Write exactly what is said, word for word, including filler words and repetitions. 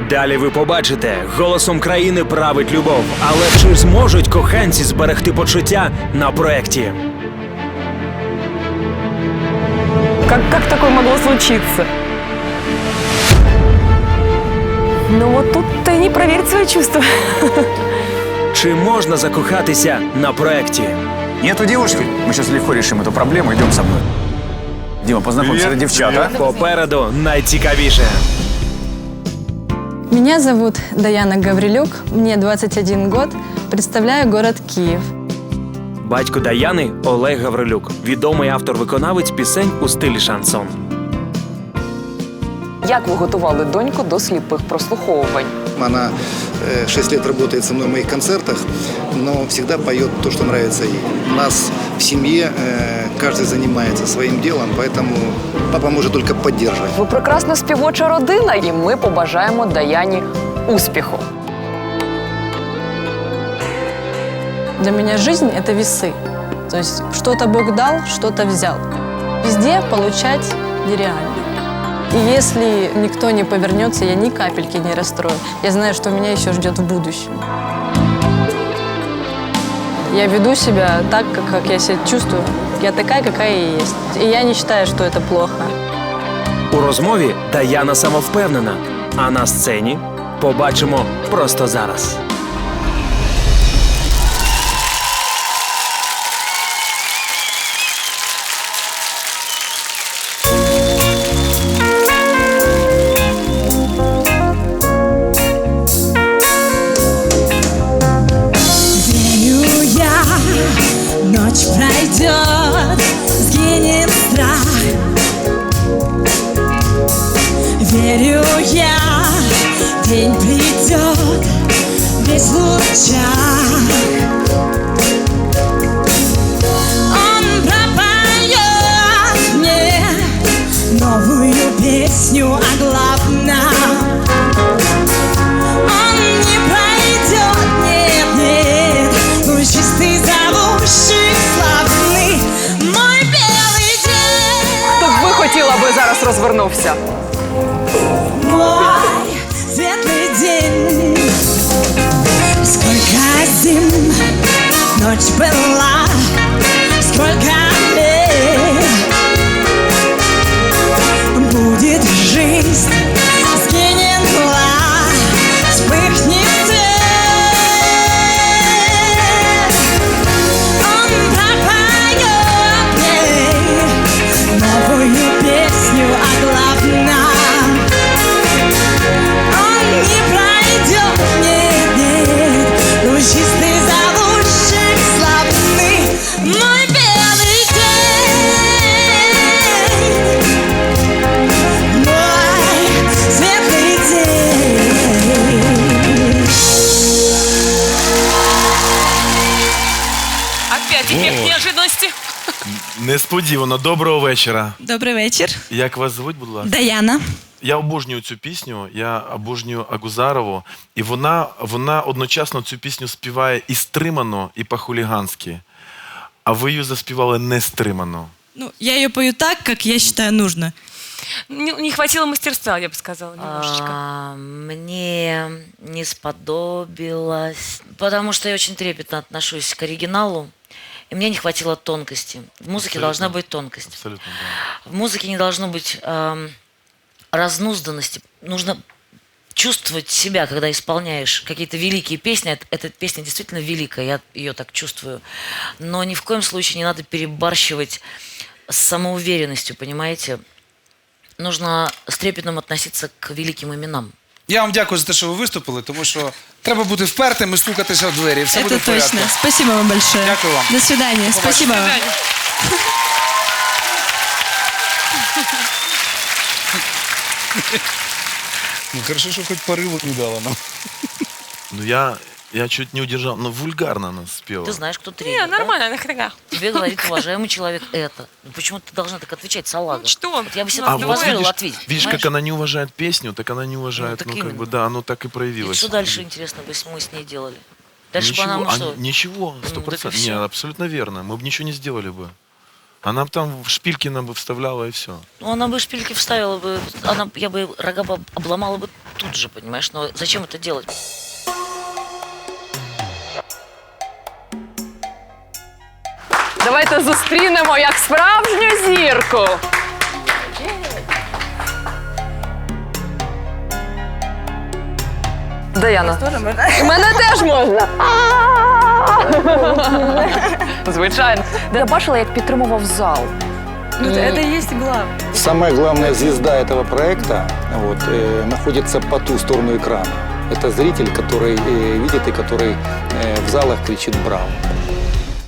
Далі ви побачите, голосом країни править любов. Але чи зможуть коханці зберегти почуття на проєкті? Как, как такое могло случиться? Ну вот тут-то и не проверить свои чувства. Чи можна закохатися на проєкті? Нету девушки? Мы сейчас легко решим эту проблему. Идем со мной. Дима, познакомься, это девчата. Попереду найцікавіше. Меня зовут Даяна Гаврилюк, мне двадцать один год, представляю город Киев. Батько Даяни – Олег Гаврилюк, відомий автор-виконавець пісень у стилі шансон. Як ви готували доньку до сліпих прослуховувань? Она э, шесть лет работает со мной в моих концертах, но всегда поет то, что нравится ей. У нас в семье э, каждый занимается своим делом, поэтому папа может только поддерживать. Ви прекрасна співоча родина, і ми побажаємо Даяні успіху. Для меня жизнь – это весы. То есть что-то Бог дал, что-то взял. Везде получать нереально. И если никто не повернется, я ни капельки не расстрою. Я знаю, что меня еще ждет в будущем. Я веду себя так, как, как я себя чувствую. Я такая, какая я есть. И я не считаю, что это плохо. У розмові Даяна самовпевнена, а на сцені побачимо просто зараз. Ночь пройдет, сгинет страх. Верю я, день придет, весь в лучах. Он пропоет мне новую песню о главном. Он не пройдет, нет, нет, лучистый зовущий. Хто б ви хотіла, аби зараз розвернувся? Мой светлый день. Сколько зим ночь была, сколько лет будет жизнь, сгинет мгла, вспыхнет свет. Он пропоет мне новую песню о главном. Он не пройдет, нет, нет, лучистый зовущий славный мой белый день. Мой светлый день. Опять эффект неожиданности. Несподівано. Доброго вечора. Добрий вечір. Як вас звуть, будь ласка? Даяна. Я обожнюю цю пісню, я обожнюю Агузарову. І вона, вона одночасно цю пісню співає і стримано, і по-хуліганськи. А ви її заспівали не стримано. Ну, я ее пою так, как я считаю нужно. Не, не хватило мастерства, я бы сказала, немножечко. А, мне не сподобилось, потому что я очень трепетно отношусь к оригиналу, и мне не хватило тонкости. В музыке Абсолютно. Должна быть тонкость. Абсолютно, да. В музыке не должно быть э, разнузданности. Нужно чувствовать себя, когда исполняешь какие-то великие песни. Эта, эта песня действительно великая, я ее так чувствую. Но ни в коем случае не надо перебарщивать с самоуверенностью, понимаете? Нужно с трепетом относиться к великим именам. Я вам дякую за те, що ви виступили, тому що треба бути впертим і стукатися в двері. Все буде в Это порядку. точно. Спасибо вам большое. Дякую вам. До свидания. Спасибо вам. Ну, хорошо, що хоч пориву не дала нам. Ну я, я чуть не удержал, но вульгарно она спела. Ты знаешь, кто тренер, Не, нормально, нахрена. Тебе говорит уважаемый человек это. Ну, почему ты должна так отвечать, салага? Ну, что? Вот я бы себе А так не вот позволила видишь, ответить. видишь, понимаешь? как она не уважает песню, так она не уважает, Ну, так ну, как именно. бы, да, оно так и И проявилось. что дальше, интересно, бы мы с ней делали? Дальше бы Ничего, она, ну, а, что? ничего, Ну, сто так и процентов. всё. Нет, абсолютно верно. Мы бы ничего не сделали бы. Она бы там в шпильки нам бы вставляла и все. Ну, она бы шпильки вставила бы, она, я бы рога бы обломала бы тут же, понимаешь? Но зачем это делать? Давайте зустрінемо як справжню зірку. Даяна. Мене теж можна. Звичайно. Я бачила, як підтримував зал. Ну, это и есть главное. Самая главная звезда этого проекта вот, э, находится по ту сторону экрана. Это зритель, который э, видит и который э, в залах кричит «Браво!».